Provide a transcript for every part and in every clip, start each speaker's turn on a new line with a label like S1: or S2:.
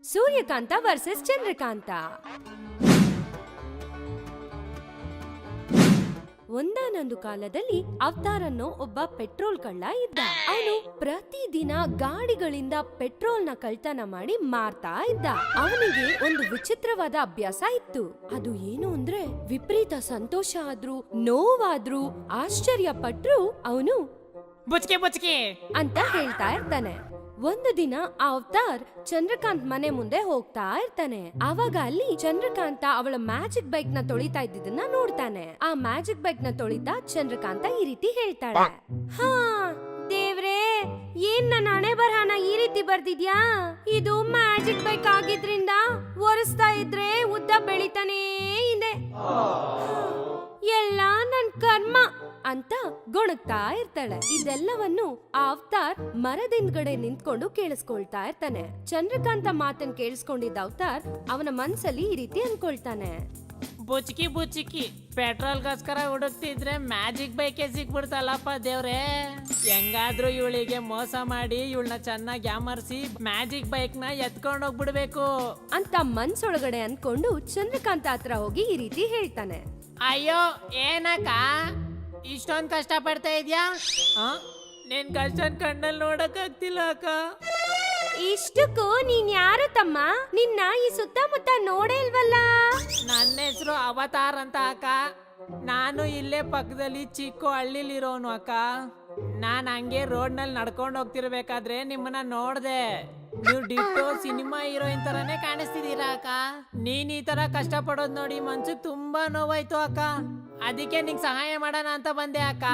S1: ಸೂರ್ಯಕಾಂತ versus Chandrakanta. ಒಂದಾನೊಂದು ಕಾಲದಲ್ಲಿ avatar ಅನ್ನೋ ಒಬ್ಬ ಪೆಟ್ರೋಲ್ ಕಳ್ಳ ಇದ್ದ. ಅವನು ಪ್ರತಿದಿನ ಗಾಡಿಗಳಿಂದ ಪೆಟ್ರೋಲ್ ನ ಕಳ್ತನ ಮಾಡಿ ಮಾರ್ತಾ ಇದ್ದ. ಅವನಿಗೆ ಒಂದು ವಿಚಿತ್ರವಾದ ಅಭ್ಯಾಸ ಇತ್ತು. ಅದು ಏನು ಅಂದ್ರೆ ವಿಪರೀತ ಸಂತೋಷ ಆದ್ರೂ ನೋವಾದ್ರೂ ಆಶ್ಚರ್ಯ ಪಟ್ರು ಅವನು
S2: ಬುಚ್ಕೆ ಬುಚ್ಕೆ
S1: ಅಂತ ಹೇಳ್ತಾ ಇರ್ತಾನೆ. ಒಂದು ದಿನ ಆ ಅವತಾರ್ ಚಂದ್ರಕಾಂತ್ ಮನೆ ಮುಂದೆ ಹೋಗ್ತಾ ಇರ್ತಾನೆ. ಆವಾಗ ಅಲ್ಲಿ ಚಂದ್ರಕಾಂತ ಅವಳ ಮ್ಯಾಜಿಕ್ ಬೈಕ್ ನ ತೊಳಿತಾ ಇದ್ದಿದ್ದನ್ನ ನೋಡ್ತಾನೆ. ಆ ಮ್ಯಾಜಿಕ್ ಬೈಕ್ ನ ತೊಳಿತಾ ಚಂದ್ರಕಾಂತ ಈ ರೀತಿ ಹೇಳ್ತಾಳೆ, ಹಾ ದೇವ್ರೇ, ಏನ್ ನನ್ನ ಹಣೆ ಬರಹನ ಈ ರೀತಿ ಬರ್ದಿದ್ಯಾ? ಇದು ಮ್ಯಾಜಿಕ್ ಬೈಕ್ ಆಗಿದ್ರಿಂದ ಒರೆಸ್ತಾ ಇದ್ರೆ ಉದ್ದ ಬೆಳಿತಾನೇ ಇದೆ. ಎಲ್ಲ ನನ್ ಕರ್ಮ ಅಂತ ಗೊಣಗ್ತಾ ಇರ್ತಾಳೆ. ಇದೆಲ್ಲವನ್ನು ಆ ಅವತಾರ್ ಮರದಿಂದ್ಗಡೆ ನಿಂತ್ಕೊಂಡು ಕೇಳಿಸ್ಕೊಳ್ತಾ ಇರ್ತಾನೆ. ಚಂದ್ರಕಾಂತ ಮಾತನ್ ಕೇಳಿಸ್ಕೊಂಡಿದ್ದ ಅವತಾರ್ ಅವನ ಮನ್ಸಲ್ಲಿ ಈ ರೀತಿ ಅನ್ಕೊಳ್ತಾನೆ,
S2: ಬುಚ್ಕಿ ಬುಚ್ಕಿ ಪೆಟ್ರೋಲ್ಗೋಸ್ಕರ ಹುಡುಕ್ತಿದ್ರೆ ಮ್ಯಾಜಿಕ್ ಬೈಕೆ ಸಿಕ್ಬಿಡ್ತಲ್ಲಪ್ಪ ದೇವ್ರೆ. ಹೆಂಗಾದ್ರೂ ಇವಳಿಗೆ ಮೋಸ ಮಾಡಿ ಇವಳನ್ನ ಚೆನ್ನಾಗಿ ಯಾಮರ್ಸಿ ಮ್ಯಾಜಿಕ್ ಬೈಕ್ ನ ಎತ್ಕೊಂಡು ಹೋಗ್ಬಿಡ್ಬೇಕು
S1: ಅಂತ ಮನ್ಸೊಳಗಡೆ ಅನ್ಕೊಂಡು ಚಂದ್ರಕಾಂತ ಹತ್ರ ಹೋಗಿ ಈ ರೀತಿ ಹೇಳ್ತಾನೆ.
S2: ಅಯ್ಯೋ ಏನಕ್ಕ ಇಷ್ಟೊಂದ್ ಕಷ್ಟ ಪಡ್ತಾ ಇದ್ಯಾ? ನಿನ್ ಕಷ್ಟ ಕಣ್ಣಲ್ಲಿ ನೋಡಕ್ ಆಗ್ತಿಲ್ಲ ಅಕ್ಕ.
S1: ಇಷ್ಟಕ್ಕೂ ನೀನ್ ಯಾರು ತಮ್ಮ? ನಿನ್ನ ಈ ಸುತ್ತಮುತ್ತ ನೋಡೇ ಇಲ್ವಲ್ಲ.
S2: ನನ್ನ ಹೆಸರು ಅವತಾರ್ ಅಂತ ಅಕ್ಕ. ನಾನು ಇಲ್ಲೇ ಪಕ್ಕದಲ್ಲಿ ಚಿಕ್ಕ ಹಳ್ಳಿಲಿರೋನು ಅಕ್ಕ. ನಾನ್ ಹಂಗೆ ರೋಡ್ ನಲ್ಲಿ ನಡ್ಕೊಂಡು ಹೋಗ್ತಿರ್ಬೇಕಾದ್ರೆ ನಿಮ್ಮನ್ನ ನೋಡ್ದೆ. ನೀವು ಡಿಟ್ಟೋ ಸಿನಿಮಾ ಹೀರೋಯಿನ್ ತರಾನೇ ಕಾಣಿಸ್ತಿದೀರಾ ಅಕ್ಕ. ನೀನ್ ಈ ತರ ಕಷ್ಟ ಪಡೋದ್ ನೋಡಿ ಮನ್ಸಿಗೆ ತುಂಬಾ ನೋವಾಯ್ತು ಅಕ್ಕ. ಅದಕ್ಕೆ ನಿಂಗೆ ಸಹಾಯ ಮಾಡೋಣ ಅಂತ ಬಂದೆ ಅಕ್ಕ.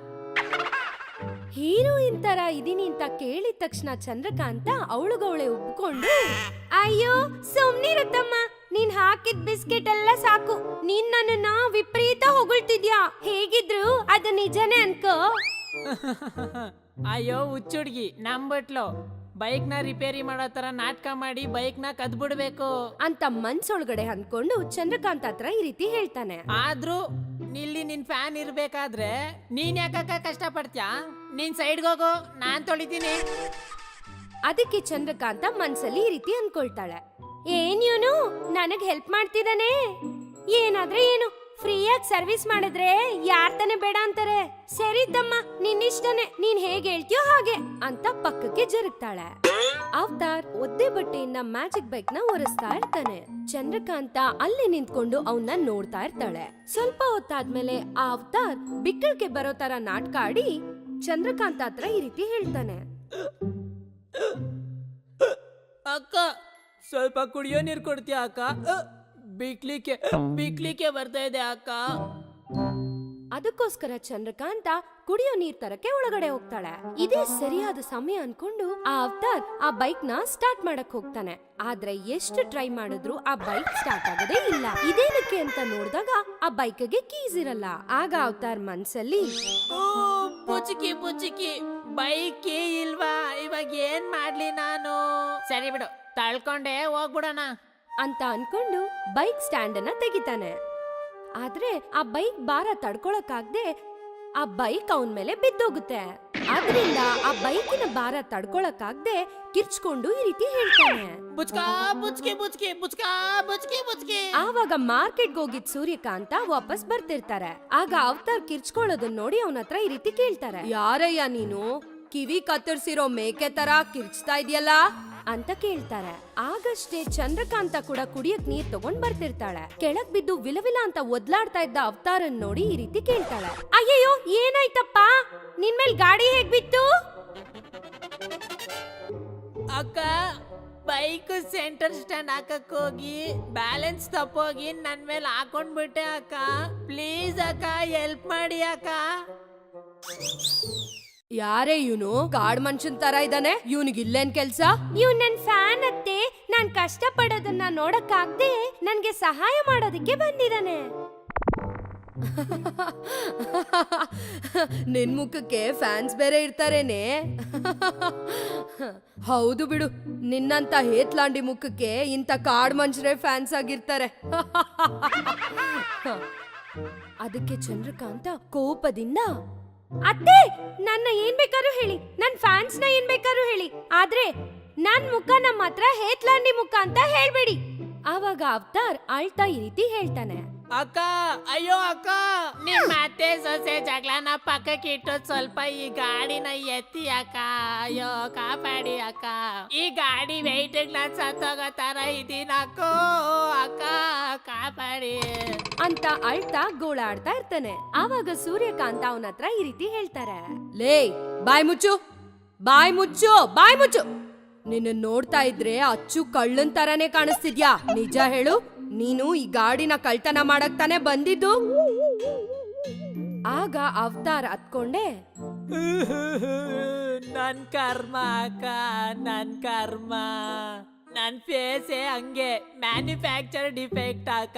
S1: ಹೀರೋಯಿನ್ ತರ ಇದೀನಿ ಅಂತ ಕೇಳಿದ ತಕ್ಷಣ ಚಂದ್ರಕಾಂತ ಅವಳುಗವಳೆ ಉಬ್ಕೊಂಡು, ಅಯ್ಯೋ ಸುಮ್ನಿರತ್ತಮ್ಮ, ನೀನ್ ಹಾಕಿದ್ ಬಿಸ್ಕೆಟ್ ಎಲ್ಲ ಸಾಕು. ನೀನ್ ನನ್ನನ್ನ ವಿಪರೀತ ಹೊಗಳ್ತಿದ್ಯಾ. ಹೇಗಿದ್ರು ಅದು ನಿಜನೇ ಅನ್ಕೋ.
S2: ಅಯ್ಯೋ ಹುಚ್ಚುಡ್ಗಿ ನಂಬಟ್ಲು. ಬೈಕ್ ನ ರಿಪೇರಿ ಮಾಡೋ ತರ ನಾಟಕ ಮಾಡಿ ಬೈಕ್ ನ ಕದ್ಬಿಡ್ಬೇಕು
S1: ಅಂತ ಮನ್ಸೊಳಗಡೆ ಅನ್ಕೊಂಡು ಚಂದ್ರಕಾಂತ ಹತ್ರ ಈ ರೀತಿ ಹೇಳ್ತಾನೆ.
S2: ಆದ್ರೂ ಇಲ್ಲಿ ನಿನ್ ಫ್ಯಾನ್ ಇರ್ಬೇಕಾದ್ರೆ ನೀನ್ ಯಾಕಕ್ಕ ಕಷ್ಟ ಪಡ್ತ್ಯಾ? ನೀನ್ ಸೈಡ್ಗೆ ಹೋಗು, ನಾನ್ ತೊಳಿತೀನಿ.
S1: ಅದಕ್ಕೆ ಚಂದ್ರಕಾಂತ ಮನ್ಸಲ್ಲಿ ಈ ರೀತಿ ಅನ್ಕೊಳ್ತಾಳೆ, ಏನ್ ಇವನು ನನಗ್ ಹೆಲ್ಪ್ ಮಾಡ್ತಿದ್ದಾನೆ. ಏನಾದ್ರೆ ಏನು, ಫ್ರೀಯಾಗಿ ಸರ್ವಿಸ್ ಮಾಡಿದ್ರೆ ಯಾರ್ ತಾನೆ ಬೇಡ ಅಂತಾರೆ. ಸರಿ ತಮ್ಮ, ನಿನ್ನಿಷ್ಟನೇ, ನೀನ್ ಹೇಗೆ ಹೇಳ್ತೀಯೋ ಹಾಗೆ ಅಂತ ಪಕ್ಕಕ್ಕೆ ಜರುಗ್ತಾಳೆ. ಅವತಾರ್ ಒದ್ದೆ ಬಟ್ಟೆಯಿಂದ ಮ್ಯಾಜಿಕ್ ಬೈಕ್ ನ ಒರೆಸ್ತಾ ಇರ್ತಾನೆ. ಚಂದ್ರಕಾಂತ ಅಲ್ಲಿ ನಿಂತ್ಕೊಂಡು ಅವನ್ನ ನೋಡ್ತಾ ಇರ್ತಾಳೆ. ಸ್ವಲ್ಪ ಹೊತ್ತಾದ್ಮೇಲೆ ಆ ಅವತಾರ್ ಬಿಕ್ಕಳಿಗೆ ಬರೋ ತರ ನಾಟಕ ಆಡಿ ಚಂದ್ರಕಾಂತ ಹತ್ರ ಈ ರೀತಿ ಹೇಳ್ತಾನೆ,
S2: ಅಕ್ಕ ಸ್ವಲ್ಪ ಕುಡಿಯೋ ನೀರ್ ಕೊಡ್ತೀಯ ಅಕ್ಕ? ಬಿಕ್ಲಿಕ್ಕೆ ಬರ್ತಾ ಇದೆ ಅಕ್ಕ.
S1: ಅದಕ್ಕೋಸ್ಕರ ಚಂದ್ರಕಾಂತ ಕುಡಿಯೋ ನೀರ್ ತರಕ್ಕೆ ಒಳಗಡೆ ಹೋಗ್ತಾಳೆ. ಇದೇ ಸರಿಯಾದ ಸಮಯ ಅನ್ಕೊಂಡು ಆ ಅವತಾರ್ ಆ ಬೈಕ್ ನ ಸ್ಟಾರ್ಟ್ ಮಾಡಕ್ ಹೋಗ್ತಾನೆ. ಆದ್ರೆ ಎಷ್ಟು ಟ್ರೈ ಮಾಡಿದ್ರು ಆ ಬೈಕ್ ಸ್ಟಾರ್ಟ್ ಆಗೋದೇ ಇಲ್ಲ. ಇದೇನಕ್ಕೆ ಅಂತ ನೋಡಿದಾಗ ಆ ಬೈಕ್ಗೆ ಕೀಸ್ ಇರಲ್ಲ. ಆಗ ಅವತಾರ್ ಮನ್ಸಲ್ಲಿ,
S2: ಪುಚ್ಕಿ ಪುಚ್ಕಿ ಬೈಕ್ ಇಲ್ವಾ, ಇವಾಗ ಏನ್ ಮಾಡ್ಲಿ ನಾನು? ಸರಿ ಬಿಡು, ತಳ್ಕೊಂಡೆ ಹೋಗ್ಬಿಡೋಣ
S1: ಅಂತ ಅನ್ಕೊಂಡು ಬೈಕ್ ಸ್ಟ್ಯಾಂಡ್ ಅನ್ನ ತೆಗಿತಾನೆ. ಆದ್ರೆ ಆ ಬೈಕ್ ಭಾರ ತಡ್ಕೊಳಕ್ಕಾಗ್ದೆ ಆ ಬೈಕ್ ಅವನ್ ಮೇಲೆ ಬಿದ್ದೋಗುತ್ತೆ. ಆದ್ರಿಂದ ಆ ಬೈಕಿನ ಭಾರ ತಡ್ಕೊಳಕ್ಕಾಗ್ದೆ ಕಿರ್ಚ್ಕೊಂಡು ಈ ರೀತಿ ಹೇಳ್ತಾನೆ, ಆವಾಗ ಮಾರ್ಕೆಟ್ಗೆ ಹೋಗಿದ್ ಸೂರ್ಯಕಾಂತ ವಾಪಸ್ ಬರ್ತಿರ್ತಾರೆ. ಆಗ ಅವತಾರ್ ಕಿರ್ಚ್ಕೊಳ್ಳೋದನ್ನ ನೋಡಿ ಅವನ ಹತ್ರ ಈ ರೀತಿ ಕೇಳ್ತಾರೆ, ಯಾರಯ್ಯ ನೀನು? ಕಿವಿ ಕತ್ತರಿಸಿರೋ ಮೇಕೆ ತರ ಕಿರ್ಚ್ತಾ ಇದೆಯಲ್ಲ ಅಂತ ಕೇಳ್ತಾರೆ. ಆಗಷ್ಟೇ ಚಂದ್ರಕಾಂತ ಕೂಡ ಕುಡಿಯಕ್ ನೀರ್ ತಗೊಂಡ್ ಬರ್ತಿರ್ತಾಳೆ. ಕೆಳಗ್ ಬಿದ್ದು ವಿಲವಿಲ ಅಂತ ಒದ್ಲಾಡ್ತಾ ಇದ್ದ ಅವತಾರನ್ ನೋಡಿ ಈ ರೀತಿ ಕೇಳ್ತಾಳೆ, ಅಯ್ಯಯ್ಯೋ ಏನಾಯ್ತಪ್ಪ, ನಿನ್ ಮೇಲ್ ಗಾಡಿ ಹೇಗ್ ಬಿತ್ತು?
S2: ಅಕ್ಕ, ಬೈಕ್ ಸೆಂಟರ್ ಸ್ಟ್ಯಾಂಡ್ ಹಾಕಕ್ ಹೋಗಿ ಬ್ಯಾಲೆನ್ಸ್ ತಪ್ಪೋಗಿ ನನ್ ಮೇಲೆ ಹಾಕೊಂಡ್ಬಿಟ್ಟೆ ಅಕ್ಕ. ಪ್ಲೀಸ್ ಅಕ್ಕ, ಹೆಲ್ಪ್ ಮಾಡಿ ಅಕ್ಕ.
S1: ಯಾರೇ ಇವನು? ಕಾಡ್ ಮನುಷ್ಯನ್ ತರ ಇದ್ದಾನೆ. ಇವನಿಗೆ ಇಲ್ಲೇನ್ ಕೆಲ್ಸ? ಇವ್ ನನ್ ಫ್ಯಾನ್ ಅತ್ತೆ. ನಾನ್ ಕಷ್ಟ ಪಡೋದನ್ನ ನೋಡಕ್ಕಾಗ್ದೆ ನನ್ಗೆ ಸಹಾಯ ಮಾಡೋದಕ್ಕೆ ಬಂದಿದ್ದಾನೆ. ನಿನ್ ಮುಖಕ್ಕೆ ಫ್ಯಾನ್ಸ್ ಬೇರೆ ಇರ್ತಾರೇನೆ. ಹೌದು ಬಿಡು, ನಿನ್ನಂತ ಹೇತ್ಲಾಂಡಿ ಮುಖಕ್ಕೆ ಇಂತ ಕಾಡ್ ಮನುಷ್ಯರೇ ಫ್ಯಾನ್ಸ್ ಆಗಿರ್ತಾರೆ. ಅದಕ್ಕೆ ಚಂದ್ರಕಾಂತ ಕೋಪದಿಂದ, ಅತ್ತೆ, ನನ್ನ ಏನ್ ಬೇಕಾದ್ರೂ ಹೇಳಿ, ನನ್ ಫ್ಯಾನ್ಸ್ ನ ಏನ್ ಬೇಕಾದ್ರೂ ಹೇಳಿ, ಆದ್ರೆ ನನ್ ಮುಖ ನಮ್ಮ ಹತ್ರ ಹೇತ್ಲಾಂಡಿ ಮುಖ ಅಂತ ಹೇಳ್ಬೇಡಿ. ಆವಾಗ ಅವತಾರ್ ಅಳ್ತಾ ಈ ರೀತಿ ಹೇಳ್ತಾನೆ.
S2: ಅಕ್ಕ, ಅಯ್ಯೋ ಅಕ್ಕ, ನಿಮ್ ಅತ್ತೆ ಸೊಸೆ ಜಗಳನ ಪಕ್ಕಕ್ಕೆ ಇಟ್ಟು ಸ್ವಲ್ಪ ಈ ಗಾಡಿನ ಎತ್ತಿ ಅಕ್ಕ. ಅಯ್ಯೋ ಕಾಪಾಡಿ ಅಕ್ಕ, ಈ ಗಾಡಿ ವೆಯ್ಟ್ ಸತ್ತೋಗೋ ತರ ಇದೀನಕ್ಕೋ. ಅಕ್ಕ ಕಾಪಾಡಿ
S1: ಅಂತ ಅಳ್ತಾ ಗೋಳಾಡ್ತಾ ಇರ್ತಾನೆ. ಆವಾಗ ಸೂರ್ಯಕಾಂತ ಅವನ ಹತ್ರ ಈ ರೀತಿ ಹೇಳ್ತಾರೆ. ಲೇ, ಬಾಯ್ ಮುಚ್ಚು, ಬಾಯ್ ಮುಚ್ಚು, ಬಾಯ್ ಮುಚ್ಚು. ನಿನ್ನ ನೋಡ್ತಾ ಇದ್ರೆ ಅಚ್ಚು ಕಳ್ಳನ್ ತರಾನೇ ಕಾಣಿಸ್ತಿದ್ಯಾ. ನಿಜ ಹೇಳು, ನೀನು ಈ ಗಾಡಿನ ಕಳ್ತನ ಮಾಡಕ್ ತಾನೇ ಬಂದಿದ್ದು? ಆಗ ಅವತಾರ್ ಹತ್ಕೊಂಡೆ,
S2: ನನ್ ಕರ್ಮ ಅಕ್ಕ, ನನ್ ಕರ್ಮ. ನನ್ ಫೇಸೇ ಹಂಗೆ, ಮ್ಯಾನುಫ್ಯಾಕ್ಚರ್ ಡಿಫೆಕ್ಟ್ ಅಕ್ಕ.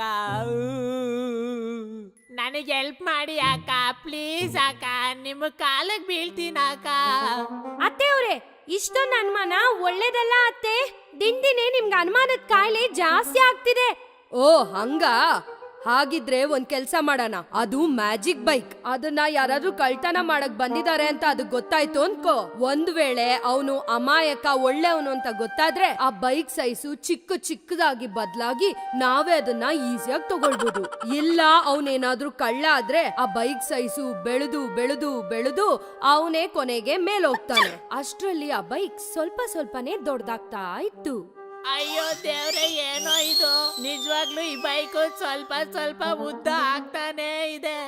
S2: ನನಗೆ ಹೆಲ್ಪ್ ಮಾಡಿ ಅಕ್ಕ, ಪ್ಲೀಸ್ ಅಕ್ಕ, ನಿಮ್ಮ ಕಾಲಕ್ಕೆ ಬೀಳ್ತೀನ ಅಕ್ಕ.
S1: ಅತ್ತೆ ಅವ್ರೆ, ಇಷ್ಟೊಂದು ಅನುಮಾನ ಒಳ್ಳೇದಲ್ಲ ಅತ್ತೆ. ದಿನೇ ನಿಮ್ಗೆ ಅನುಮಾನದ ಕಾಯಿಲೆ ಜಾಸ್ತಿ ಆಗ್ತಿದೆ. ಓ ಹಂಗ? ಹಾಗಿದ್ರೆ ಒಂದ್ ಕೆಲ್ಸ ಮಾಡೋಣ. ಅದು ಮ್ಯಾಜಿಕ್ ಬೈಕ್. ಅದನ್ನ ಯಾರಾದ್ರೂ ಕಳ್ತನ ಮಾಡಕ್ ಬಂದಿದ್ದಾರೆ ಅಂತ ಅದು ಗೊತ್ತಾಯ್ತು ಅನ್ಕೋ. ಒಂದ್ ವೇಳೆ ಅವನು ಅಮಾಯಕ ಒಳ್ಳೆಯವನು ಅಂತ ಗೊತ್ತಾದ್ರೆ ಆ ಬೈಕ್ ಸೈಜು ಚಿಕ್ಕದಾಗಿ ಬದಲಾಗಿ ನಾವೇ ಅದನ್ನ ಈಸಿಯಾಗಿ ತಗೊಳ್ಬಹುದು. ಇಲ್ಲ ಅವನೇನಾದ್ರೂ ಕಳ್ಳ ಆದ್ರೆ ಆ ಬೈಕ್ ಸೈಜು ಬೆಳೆದು ಬೆಳೆದು ಬೆಳೆದು ಅವನೇ ಕೊನೆಗೆ ಮೇಲೋಗ್ತಾನೆ. ಅಷ್ಟ್ರಲ್ಲಿ ಆ ಬೈಕ್ ಸ್ವಲ್ಪನೇ ದೊಡ್ಡದಾಗ್ತಾ ಇತ್ತು.
S2: ಅಯ್ಯೋ ದೇವ್ರೆ, ಏನೋ ಇದು, ನಿಜವಾಗ್ಲೂ ಈ ಬೈಕು ಸ್ವಲ್ಪ ಉದ್ದ ಆಗ್ತಾನೆ ಇದೆ.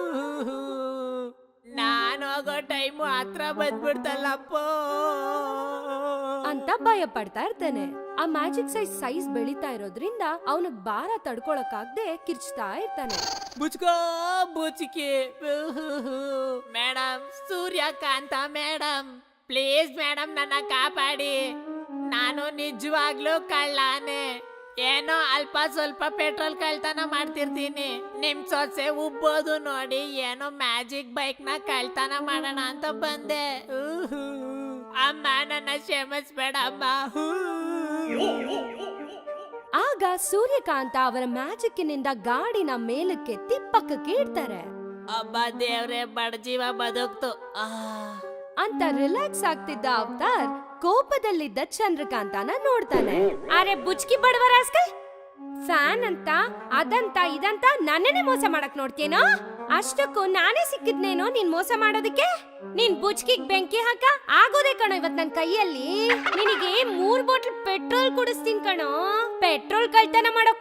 S2: ನಾನು ಹೋಗೋ ಟೈಮು ಹತ್ರ ಬಂದ್ಬಿಡ್ತಲ್ಲಪ್ಪ
S1: ಅಂತ ಭಯ ಪಡ್ತಾ ಇರ್ತಾನೆ. ಆ ಮ್ಯಾಜಿಕ್ ಸೈಜ್ ಬೆಳೀತಾ ಇರೋದ್ರಿಂದ ಅವನಿಗೆ ಭಾರ ತಡ್ಕೊಳಕ್ಕಾಗ್ದೆ ಕಿರ್ಚ್ತಾ ಇರ್ತಾನೆ.
S2: ಬುಚ್ಕೋ ಬುಚ್ಕಿ. Madam, Suryakanta madam, please madam, ನನ್ನ ಕಾಪಾಡಿ. ನಾನು ನಿಜವಾಗ್ಲೂ ಕಳ್ಳಾನೆ. ಏನೋ ಅಲ್ಪ ಸ್ವಲ್ಪ ಪೆಟ್ರೋಲ್ ಕಳ್ತನ ಮಾಡ್ತಿರ್ತೀನಿ. ನಿಮ್ ಸೊಸೆ ಉಬ್ಬೋದು ನೋಡಿ ಏನೋ ಮ್ಯಾಜಿಕ್ ಬೈಕ್ ನ ಕಳ್ತನ ಮಾಡೋಣ ಅಂತ ಬಂದೆ. ಅಮ್ಮ, ನನ್ನ ಕ್ಷಮಿಸ್ಬೇಡಮ್ಮ.
S1: ಆಗ ಸೂರ್ಯಕಾಂತ ಅವರ ಮ್ಯಾಜಿಕ್ನಿಂದ ಗಾಡಿನ ಮೇಲಕ್ಕೆತ್ತಿ ಪಕ್ಕಕ್ಕೆ ಇಡ್ತಾರೆ.
S2: ಅಬ್ಬ ದೇವ್ರೆ, ಬಡಜೀವ ಬದುಕ್ತು
S1: ಅಂತ ರಿಲ್ಯಾಕ್ಸ್ ಆಗ್ತಿದ್ದ ಅವತಾರ್ ಕೋಪದಲ್ಲಿದ್ದ ಚಂದ್ರಕಾಂತನ ನೋಡ್ತಾನೆ. ಅರೆ ಬುಚ್ಕಿ ಬಡವ ರಾಸ್ಕಲ್, ಫ್ಯಾನ್ ಅಂತ ಅದಂತ ಇದಂತ ನನ್ನೇ ಮೋಸ ಮಾಡಕ್ ನೋಡ್ತೇನೋ? ಅಷ್ಟಕ್ಕೂ ನಾನೇ ಸಿಕ್ಕಿದ್ನೇನೋ ನೀನ್ ಮೋಸ ಮಾಡೋದಕ್ಕೆ? ನೀನ್ ಬುಚ್ಕಿಗ್ ಬೆಂಕಿ ಹಾಕ ಆಗೋದೇ ಕಣೋ ಇವತ್ ನನ್ ಕೈಯಲ್ಲಿ. ನಿನಗೆ 3 ಬಾಟಲ್ ಪೆಟ್ರೋಲ್ ಕುಡಿಸ್ತೀನಿ ಕಣೋ. ಪೆಟ್ರೋಲ್ ಕಳ್ತನ ಮಾಡೋ